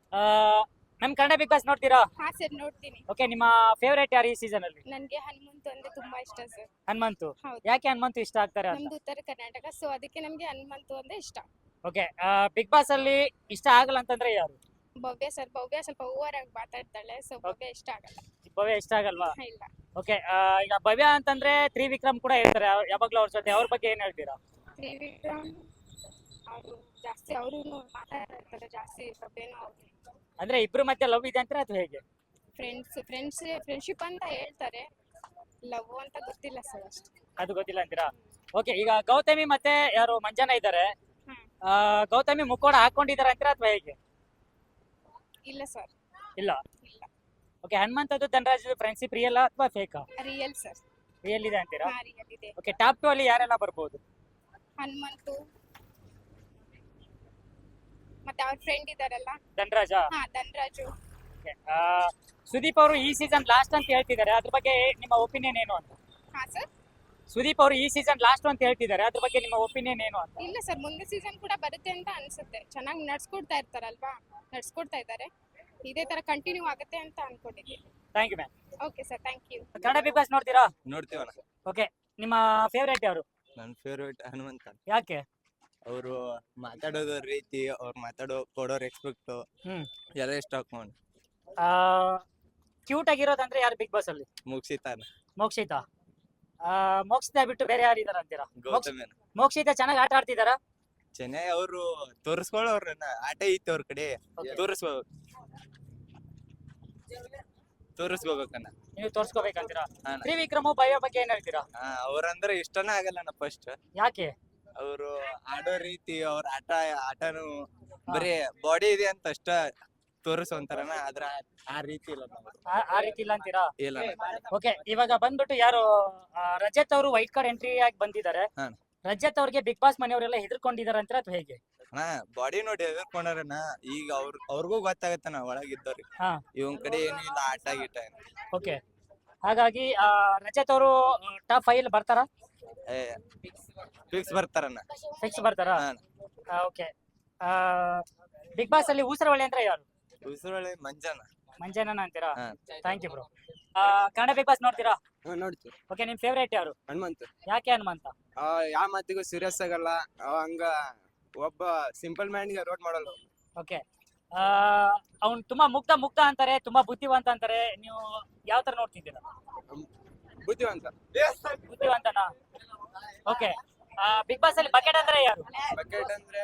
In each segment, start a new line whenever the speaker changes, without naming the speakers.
ನಮ್ Kannada big boss ನೋಡ್ತೀರಾ?
ಹಾ ಸರ್ ನೋಡ್ತೀನಿ.
ಓಕೆ, ನಿಮ್ಮ ಫೇವರೇಟ್ ಯಾರು ಈ ಸೀಸನ್ ಅಲ್ಲಿ?
ನನ್ಗೆ ಹನುಮಂತು ಅಂದ್ರೆ ತುಂಬಾ ಇಷ್ಟ ಸರ್.
ಹನುಮಂತು.
ಹೌದು.
ಯಾಕೆ ಹನುಮಂತು ಇಷ್ಟ ಆಗ್ತಾರೆ ಅಂತ?
ನಮ್ದು ಉತ್ತರ ಕರ್ನಾಟಕ, ಸೊ ಅದಕ್ಕೆ ನಮ್ಗೆ ಹನುಮಂತು ಅಂದ್ರೆ ಇಷ್ಟ.
ಓಕೆ, ಬಿಗ್ ಬಾಸ್ ಅಲ್ಲಿ ಇಷ್ಟ ಆಗಲ್ಲ ಅಂತಂದ್ರೆ ಯಾರು?
ಭವ್ಯ ಸ್ವಲ್ಪ ಓವರ್ ಆಗಿ ಮಾತಾಡ್ತಾಳೆ, ಸೊ ಭವ್ಯ ಇಷ್ಟ ಆಗಲ್ಲ.
ಭವ್ಯ ಇಷ್ಟ ಆಗಲ್ವಾ?
ಇಲ್ಲ.
ಓಕೆ, ಈಗ ಭವ್ಯ ಅಂತಂದ್ರೆ ತ್ರಿವಿಕ್ರಮ್ ಕೂಡ ಇರ್ತಾರೆ ಯಾವಾಗ್ಲೂ ಅವ್ರ ಜೊತೆ, ಅವ್ರ ಬಗ್ಗೆ ಏನ್ ಹೇಳ್ತೀರಾ?
ತ್ರಿವಿಕ್ರಮ್ ಅವರು ಜಾಸ್ತಿ ಅವರು ಮಾತಾಡ್ತಾ ಇರ್ತಾರೆ ಜಾಸ್ತಿ. ಭವ್ಯನೂ ಅವ್ರು
ಅಂದ್ರೆ ಇಬ್ರು ಮಧ್ಯೆ ಲವ್ ಇದೆ ಅಂತಾರೆ ಅಥವಾ ಹೇಗೆ?
ಫ್ರೆಂಡ್ಶಿಪ್ ಅಂತ ಹೇಳ್ತಾರೆ, ಲವ್ ಅಂತ ಗೊತ್ತಿಲ್ಲ ಸರ್ ಅಷ್ಟು.
ಅದು ಗೊತ್ತಿಲ್ಲ ಅಂತೀರಾ? ಓಕೆ, ಈಗ ಗೌತಮಿ ಮತ್ತೆ ಯಾರು ಮಂಜಾನ ಇದ್ದಾರೆ. ಗೌತಮಿ ಮುಕ್ಕೋಡ ಹಾಕೊಂಡಿದಾರೆ ಅಂತೀರಾ ಅಥವಾ ಹೇಗೆ?
ಇಲ್ಲ ಸರ್.
ಇಲ್ಲ.
ಇಲ್ಲ.
ಓಕೆ, ಹನುಮಂತದ್ದು ಧನರಾಜ್ ಫ್ರೆಂಡ್ಶಿಪ್ ರಿಯಲ್ ಅಥವಾ ಫೇಕಾ?
Real sir.
ರಿಯಲ್ ಇದೆ ಅಂತೀರಾ?
ಹಾ ರಿಯಲ್ ಇದೆ.
ಓಕೆ, ಟಾಪ್ 2 ಅಲ್ಲಿ ಯಾರೆಲ್ಲ ಬರ್ಬೋದು?
ಹನುಮಂತು ಮತ್ತೆ ಅವ್ರ ಫ್ರೆಂಡ್ ಇದಾರಲ್ಲ,
ಧನರಾಜ.
ಹಾ ಧನರಾಜು.
Okay, ಸುದೀಪ್ ಅವರು ಈ ಸೀಸನ್ ಲಾಸ್ಟ್ ಅಂತ ಹೇಳ್ತಿದ್ದಾರೆ, ಅದ್ರ ಬಗ್ಗೆ ನಿಮ್ಮ ಒಪಿನಿಯನ್ ಏನು ಅಂತ?
ಹಾ ಸರ್.
ಸುದೀಪ್ ಅವರು ಈ ಸೀಸನ್ ಲಾಸ್ಟ್ ಅಂತ ಹೇಳ್ತಿದ್ದಾರೆ, ಅದ್ರ ಬಗ್ಗೆ ನಿಮ್ಮ ಒಪಿನಿಯನ್ ಏನು ಅಂತ?
ಇಲ್ಲ ಸರ್, ಮುಂದೆ ಸೀಸನ್ ಕೂಡ ಬರುತ್ತೆ ಅಂತ ಅನ್ಸುತ್ತೆ. ಚೆನ್ನಾಗಿ ನಡ್ಸ್ಕೊಡ್ತಾ ಇರ್ತಾರಲ್ವಾ, ನಡ್ಸ್ಕೊಡ್ತಾ ಇದ್ದಾರೆ. ಇದೇ ತರ ಕಂಟಿನ್ಯೂ ಆಗುತ್ತೆ ಅಂತ ಅನ್ಕೊಂಡಿದ್ದೀನಿ.
Thank you ma'am.
Okay sir, thank you.
Kannada big boss ನೋಡ್ತೀರಾ?
ನೋಡ್ತೀವಣ್ಣ.
ಓಕೆ, ನಿಮ್ಮ ಫೇವರೇಟ್ ಯಾರು?
ನನ್ನ ಫೇವ್ರೇಟ್ ಹನುಮಂತ.
ಯಾಕೆ?
ಅವರು ಮಾತಾಡೋದು ರೀತಿ, ಅವ್ರು ಕೊಡೋ ರೆಸ್ಪೆಕ್ಟ್
ಹ್ಮ್.
ಎಲ್ಲ ಇಷ್ಟ ಹಾಕೊಂಡು
ಕ್ಯೂಟ್ ಆಗಿರೋದಂದ್ರೆ ಯಾರು ಬಿಗ್ ಬಾಸ್ ಅಲ್ಲಿ?
ಮುಗಿಸಿತಾನ
ಮೋಕ್ಷಿತಾ. ಮೋಕ್ಷಿತಾ ಬಿಟ್ಟು ಬೇರೆ ಯಾರು ಇದಾರ ಅಂತೀರಾ?
ಗೌತಮನ.
ಮೋಕ್ಷಿತಾ ಚೆನ್ನಾಗಿ ಆಟ ಆಡ್ತಿದಾರಾ?
ಚೆನ್ನಾಗಿ ಅವರು ತೋರಿಸ್ಕೊಳ್ಳೋರ್ನ ಆಟ ಐತಿ ಅವ್ರ ಕಡೆ.
Okay.
ತೋರಿಸ್ಕೋಬೇಕಣ್ಣ.
ನೀವು ತೋರ್ಸ್ಕೋಬೇಕಂತೀರಾ?
ಹಾ.
ತ್ರಿವಿಕ್ರಮ್ ಭವ್ಯ ಬಗ್ಗೆ ಏನ್ ಹೇಳ್ತೀರಾ?
ಅವ್ರಂದ್ರೆ ಇಷ್ಟನೇ ಆಗಲ್ಲಣ್ಣ ಫಸ್ಟ್.
ಯಾಕೆ?
ಅವರು ಆಡೋ ರೀತಿ, ಅವ್ರ ಆಟನು ಬರೀ ಬಾಡಿ ಇದೆ ಅಂತ ಅಷ್ಟ ತೋರಿಸೋಂತಾರನ, ಆದ್ರ ಆ ರೀತಿ ಇಲ್ಲ ನಮ್ದು.
ಆ ರೀತಿ ಇಲ್ಲ ಅಂತೀರಾ?
ಇಲ್ಲ.
ಓಕೆ, ಇವಾಗ ಬಂದ್ಬಿಟ್ಟು ಯಾರು ರಜತ್ ಅವರು ವೈಟ್ ಕಾರ್ಡ್ ಎಂಟ್ರಿ ಆಗಿ ಬಂದಿದ್ದಾರೆ.
ಹಾ.
ರಜತ್ ಅವ್ರಿಗೆ ಬಿಗ್ ಬಾಸ್ ಮನೆಯವರೆಲ್ಲ ಹೆದರ್ಕೊಂಡಿದಾರೆ ಅಂತೀರಾ ಅಥವಾ ಹೇಗೆ?
ಅಣ್ಣ ಬಾಡಿ ನೋಡಿ ಎದುರ್ಕೊಂಡಾರಣ್ಣ. ಈಗ ಅವ್ರಿಗೂ ಗೊತ್ತಾಗತ್ತಣ್ಣ ಒಳಗಿದ್ದವ್ರಿಗೆ,
ಹಾ.
ಇವನ್ ಕಡೆ ಏನು ಇಲ್ಲ ಆಟ ಗೀಟ.
ಓಕೆ, ಹಾಗಾಗಿ ರಜತ್ ಅವರು ಟಾಪ್ 5 ಬರ್ತಾರಾ?
ಫಿಕ್ಸ್ ಬರ್ತಾರಣ್ಣ.
ಫಿಕ್ಸ್ ಬರ್ತಾರಾ?
ಹಾ.
ಓಕೆ, ಬಿಗ್ ಬಾಸ್ ಅಲ್ಲಿ ಊಸರವಳ್ಳಿ ಅಂದ್ರೆ ಯಾರು?
ಉಸುರಳೆ ಮಂಜಾನ.
ಮಂಜನನ ಅಂತೀರಾ?
ಹಾ.
Thank you bro. Kannada big boss ನೋಡ್ತೀರಾ?
ನೋಡ್ತೀವಿ.
ಓಕೆ, ನಿಮ್ ಫೇವರೇಟ್ ಯಾರು?
ಹನುಮಂತ.
ಯಾಕೆ ಹನುಮಂತ?
ಯಾವ ಮಾತಿಗೂ ಸೀರಿಯಸ್ ಆಗಲ್ಲ. ಹಂಗ ಒಬ್ಬ ಸಿಂಪಲ್ ಮ್ಯಾನ್ ಗೆ ರೋಡ್ ಮಾಡಲ್ಲ.
ಓಕೆ, ಅವ್ನು ತುಂಬಾ ಮುಗ್ಧ ಅಂತಾರೆ, ತುಂಬಾ ಬುದ್ಧಿವಂತ ಅಂತಾರೆ. ನೀವು ಯಾವ ತರ ನೋಡ್ತಿದ್ದೀರಾ?
ಬುದ್ಧಿವಂತ.
ಬುದ್ಧಿವಂತನಾ? ಓಕೆ, ಬಿಗ್ ಬಾಸ್ ಅಲ್ಲಿ ಬಕೆಟ್ ಅಂದ್ರೆ ಯಾರು?
ಬಕೆಟ್ ಅಂದ್ರೆ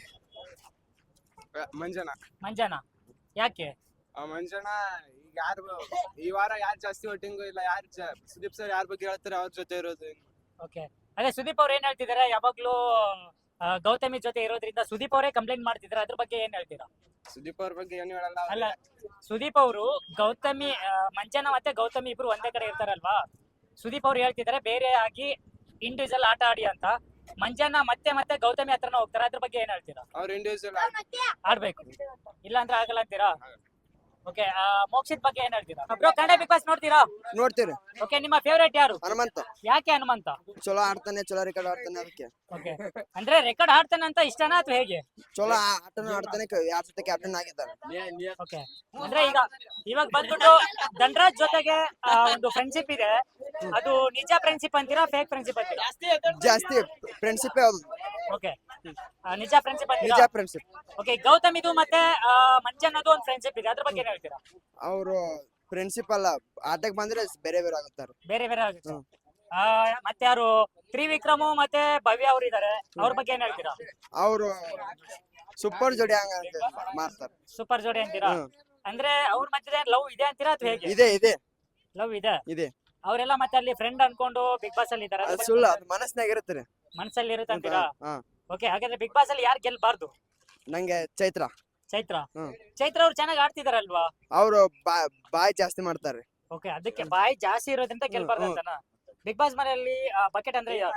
ಮಂಜನ.
ಮಂಜನ. ಯಾಕೆ?
ಮಂಜನ ಈಗ ಯಾರು ಈ ವಾರ ಯಾರು ಜಾಸ್ತಿ ವೋಟಿಂಗು ಇಲ್ಲ, ಯಾರು ಸುದೀಪ್ ಸರ್ ಯಾರ ಬಗ್ಗೆ ಹೇಳ್ತಾರೆ ಅವ್ರ ಜೊತೆ ಇರೋದು.
ಓಕೆ, ಅದೇ ಸುದೀಪ್ ಅವ್ರು ಏನ್ ಹೇಳ್ತಿದಾರೆ, ಯಾವಾಗ್ಲೂ ಗೌತಮಿ ಜೊತೆ ಇರೋದ್ರಿಂದ ಸುದೀಪ್ ಅವರೇ ಕಂಪ್ಲೇಂಟ್ ಮಾಡ್ತಿದ್ದಾರೆ, ಅದ್ರ ಬಗ್ಗೆ ಏನ್ ಹೇಳ್ತೀರಾ?
ಸುದೀಪ್ ಅವ್ರ ಬಗ್ಗೆ ಏನು ಹೇಳಲ್ಲ.
ಅಲ್ಲ, ಸುದೀಪ್ ಅವರು ಗೌತಮಿ ಮಂಜನ ಮತ್ತೆ ಗೌತಮಿ ಇಬ್ರು ಒಂದೇ ಕಡೆ ಇರ್ತಾರಲ್ವಾ, ಸುದೀಪ್ ಅವ್ರು ಹೇಳ್ತಿದ್ದಾರೆ ಬೇರೆ ಆಗಿ ಇಂಡಿವಿಜುವಲ್ ಆಟ ಆಡಿ ಅಂತ. ಮಂಜನ ಮತ್ತೆ ಗೌತಮಿ ಹತ್ರನ ಹೋಗ್ತಾರೆ, ಅದ್ರ ಬಗ್ಗೆ ಏನ್ ಹೇಳ್ತೀರಾ?
ಅವ್ರ ಇಂಡಿವಿಜುವಲ್
ಆಡ್ಬೇಕು, ಇಲ್ಲ ಅಂದ್ರೆ ಆಗಲ್ಲ ಅಂತೀರಾ? ಓಕೆ, ಮೋಕ್ಷಿತ್ ಬಗ್ಗೆ ಏನ್ ಹೇಳ್ತೀರಾ? ಬ್ರೋ, ಕನ್ನಡ ಬಿಗ್ ಬಾಸ್ ನೋಡ್ತೀರಾ?
ನೋಡ್ತೀರಿ.
ಓಕೆ, ನಿಮ್ಮ ಫೇವರೇಟ್ ಯಾರು?
ಹನುಮಂತ.
ಯಾಕೆ ಹನುಮಂತ?
ಚಲೋ ಆಡ್ತಾನೆ, ಚಲೋ ರೆಕಾರ್ಡ್ ಆಡ್ತಾನೆ, ಅದಕ್ಕೆ.
ಓಕೆ, ಅಂದ್ರೆ ರೆಕಾರ್ಡ್ ಆಡ್ತಾನೆ ಅಂತ ಇಷ್ಟನಾ ಅಥವಾ ಹೇಗೆ?
ಚಲೋ ಆಟನು ಆಡ್ತಾನೆ, ಯಾರ ಜೊತೆ ಕ್ಯಾಪ್ಟನ್ ಆಗಿದ್ದಾರೆ.
ಓಕೆ, ಅಂದ್ರೆ ಇವಾಗ ಬಂದ್ಬಿಟ್ಟು ಧನರಾಜ್ ಜೊತೆಗೆ ಒಂದು ಫ್ರೆಂಡ್ಶಿಪ್ ಇದೆ, ಅದು ನಿಜ ಫ್ರೆಂಡ್ಶಿಪ್ ಅಂತೀರಾ ಫೇಕ್ ಫ್ರೆಂಡ್ಶಿಪ್ ಅಂತೀರಾ?
ಜಾಸ್ತಿ ಫ್ರೆಂಡ್ಶಿಪ್ ಯಾವ್ದು?
ಓಕೆ, ನಿಜ ಫ್ರೆಂಡ್ಶಿಪ್ ಅಂತೀರಾ?
ನಿಜ ಫ್ರೆಂಡ್ಶಿಪ್.
ಓಕೆ, ಗೌತಮಿದು ಮತ್ತೆ ಮಂಜನ್ನದು ಒಂದು ಫ್ರೆಂಡ್ಶಿಪ್ ಇದೆ, ಅದ್ರ ಬಗ್ಗೆ ಏನ್ ಹೇಳ್ತೀರಾ?
ಅವರು ಫ್ರೆಂಡ್ಶಿಪ್ ಅಲ್ಲ, ಆಟಕ್ಕೆ ಬಂದ್ರೆ ಬೇರೆ ಬೇರೆ ಆಗುತ್ತಾರೆ.
ಬೇರೆ ಆಗುತ್ತೆ. ಮತ್ತೆ ಯಾರು ತ್ರಿವಿಕ್ರಮ್ ಮತ್ತೆ ಭವ್ಯ ಅವ್ರು ಇದಾರೆ, ಅವ್ರ ಬಗ್ಗೆ ಏನ್ ಹೇಳ್ತೀರಾ?
ಅವರು ಸೂಪರ್ ಜೋಡಿ ಹಂಗ ಮಾಡ್ತಾರೆ.
ಸೂಪರ್ ಜೋಡಿ ಅಂತೀರಾ? ಅಂದ್ರೆ ಅವ್ರ ಮಧ್ಯೆ ಲವ್ ಇದೆ ಅಂತೀರಾ ಅಥವಾ ಹೇಗೆ?
ಇದೆ
ಲವ್ ಇದೆ.
ಇದೆ.
ಅವರೆಲ್ಲ ಮತ್ತೆ ಅಲ್ಲಿ ಫ್ರೆಂಡ್ ಅನ್ಕೊಂಡು ಬಿಗ್ ಬಾಸ್ ಅಲ್ಲಿ ಇದಾರೆ,
ಅದು ಸುಳ್ಳು, ಅದು ಮನಸ್ನಾಗ ಇರುತ್ತೆ.
ಮನಸ್ಸಲ್ಲಿ ಇರುತ್ತೆ ಅಂತೀರಾ?
ಹಾ.
ಓಕೆ, ಹಾಗಾದ್ರೆ ಬಿಗ್ ಬಾಸ್ ಅಲ್ಲಿ ಯಾರು ಗೆಲ್ಬಾರ್ದು?
ನಂಗೆ ಚೈತ್ರ.
ಚೈತ್ರ.
ಹ್ಮ್.
ಚೈತ್ರ ಅವ್ರು ಚೆನ್ನಾಗಿ ಆಡ್ತಿದಾರಲ್ವಾ?
ಅವರು ಬಾಯ್ ಜಾಸ್ತಿ ಮಾಡ್ತಾರೆ.
ಓಕೆ, ಅದಕ್ಕೆ ಬಾಯಿ ಜಾಸ್ತಿ ಇರೋದ್ರಿಂದ ಗೆಲ್ಬಾರ್ದು ಅಂತನಾ? ಬಿಗ್ ಬಾಸ್ ಮನೆಯಲ್ಲಿ ಬಕೆಟ್ ಅಂದ್ರೆ ಯಾರು?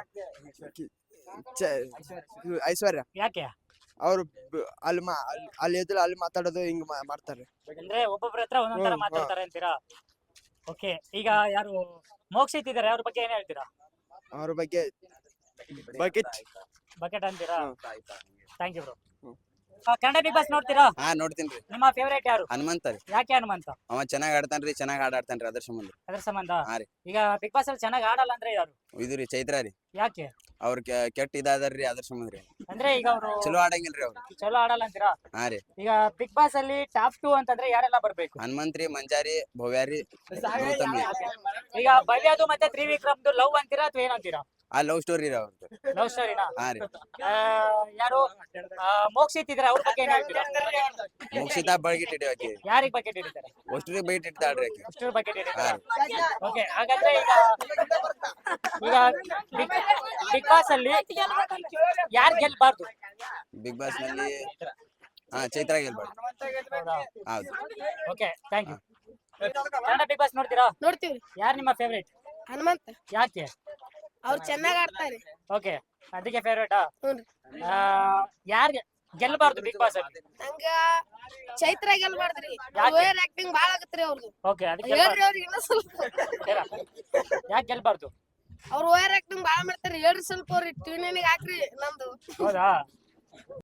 ಐಶ್ವರ್ಯ.
ಯಾಕೆ?
ಅವರು ಅಲ್ಲಿ ಎದುರು ಅಲ್ಲಿ ಮಾತಾಡೋದು ಹಿಂಗ್ ಮಾಡ್ತಾರೆ.
ಅಂದ್ರೆ ಒಬ್ಬೊಬ್ರ ಹತ್ರ ಒಂದೊಂದರ ಮಾತಾಡ್ತಾರೆ ಅಂತೀರಾ? ಓಕೆ, ಈಗ ಯಾರು ಮೋಕ್ಷಿತ್ ಇದಾರೆ, ಅವ್ರ ಬಗ್ಗೆ ಏನ್ ಹೇಳ್ತೀರಾ?
ಅವ್ರ ಬಗ್ಗೆ ಬಕೆಟ್
ಬಕೆಟ್ ಅಂತೀರಾ? Thank you bro. Kannada big boss ನೋಡ್ತೀರಾ?
ಹಾ ನೋಡ್ತೀನ್ರಿ.
ನಿಮ್ಮ ಫೇವರೇಟ್ ಯಾರು?
ಹನುಮಂತ ರೀ.
ಯಾಕೆ ಹನುಮಂತ?
ಅವ ಚೆನ್ನಾಗ್ ಆಡ್ತಾನ್ರಿ, ಚೆನ್ನಾಗ್ ಆಡ್ತಾನ್ರಿ ಅದ್ರ ಸಂಬಂಧ.
ಅದ್ರ ಸಂಬಂಧ?
ಹಾ ರೀ.
ಈಗ ಬಿಗ್ ಬಾಸ್ ಅಲ್ಲಿ ಚೆನ್ನಾಗಿ ಆಡಲ್ಲ ಅಂದ್ರೆ ಯಾರು?
ಇದು ರೀ ಚೈತ್ರ ರೀ.
ಯಾಕೆ?
ಅವ್ರ ಕೆಟ್ಟ ಇದಾದಾರ್ರಿ ಅದ್ರ ಸಂಬಂಧ ರೀ.
ಅಂದ್ರೆ ಈಗ ಅವರು
ಚಲೋ ಆಡಂಗಿಲ್ರಿ ಅವ್ರು.
ಚಲೋ ಆಡಲ್ಲ ಅಂತೀರಾ?
ಹಾ ರೀ.
ಈಗ ಬಿಗ್ ಬಾಸ್ ಅಲ್ಲಿ ಟಾಪ್ 2 ಅಂತಂದ್ರೆ ಯಾರೆಲ್ಲ ಬರ್ಬೇಕು?
ಹನುಮಂತ್ರಿ, ಮಂಜಾರಿ, ಭವ್ಯಾರಿ, ಗೌತಮಿ.
ಈಗ ಭವ್ಯದು ಮತ್ತೆ ತ್ರಿವಿಕ್ರಮ್ದು ಲವ್ ಅಂತೀರಾ ಅಥವಾ ಏನಂತೀರಾ?
ಆ ಲವ್ ಸ್ಟೋರಿ ರೀ ಅವ್ರದ್ದು.
ಲವ್ ಸ್ಟೋರಿನಾ?
ಹಾ ರೀ.
ಯಾರು ಮೋಕ್ಷಿತ್ ಇದ್ರೆ ಅವ್ರ ಬಗ್ಗೆ ಏನ್ ಹೇಳ್ತೀರಾ?
ಮುಕ್ಷಿತಾ ಬಳ್ಗಿಟ್ ಹಿಡಿಯೋಕೆ
ಯಾರಿಗ್ ಬಕೆಟ್ ಹಿಡಿತಾರೆ?
ಅಷ್ಟ್ರಿಗೆ ಬೈಟ್ ಇಡ್ತಾಳ್ರಿ ಆಕಿ.
ಅಷ್ಟರ ಬಕೆಟ್
ಹಾ
ಹಿಡಿತಾರೆ. ಓಕೆ, ಹಾಗಾದ್ರೆ ಈಗ ಬಿಗ್ ಬಾಸ್ ಅಲ್ಲಿ ಯಾರು ಗೆಲ್ಬಾರ್ದು?
ಬಿಗ್ ಬಾಸ್ ನಲ್ಲಿ ಚೈತ್ರ ಗೆಲ್ಬಾರ್ದು. ಹೌದು.
Okay, thank you. Kannada big boss ನೋಡ್ತೀರಾ?
ನೋಡ್ತೀವಿ.
ಯಾರು ನಿಮ್ಮ ಫೇವರೇಟ್?
ಹನುಮಂತ
ಯಾಕೆ?
ಅವ್ರು ಚೆನ್ನಾಗ್ ಆಡ್ತಾರೆ.
ಓಕೆ, ಅದಕ್ಕೆ ಫೇವರೇಟಾ?
ಹ್ಞೂ.
ಯಾರು ಗೆಲ್ಬಾರ್ದು ಬಿಗ್ ಬಾಸ್ ಅಲ್ಲಿ?
ನಂಗ ಚೈತ್ರ ಗೆಲ್ಬಾರ್ದ್ರಿ.
ಯಾಕೆ?
ಓವರ್ ಆಕ್ಟಿಂಗ್ ಬಾಳ ಆಗತ್ರಿ ಅವ್ರದ್ದು.
ಓಕೆ, ಅದಕ್ಕೆ
ಹೇಳ್ರಿ ಅವ್ರಿಗೆ ಇನ್ನೂ ಸ್ವಲ್ಪ.
ಯಾಕೆ ಗೆಲ್ಬಾರ್ದು?
ಅವ್ರು ಓವರ್ ಆಕ್ಟಿಂಗ್ ಬಾಳ ಮಾಡ್ತಾರೆ. ಹೇಳ್ರಿ ಸ್ವಲ್ಪ ಅವ್ರಿಗೆ ಟಿವಿ ನೈನಿಗೆ ಹಾಕ್ರಿ ನಂದು.
ಹೌದಾ?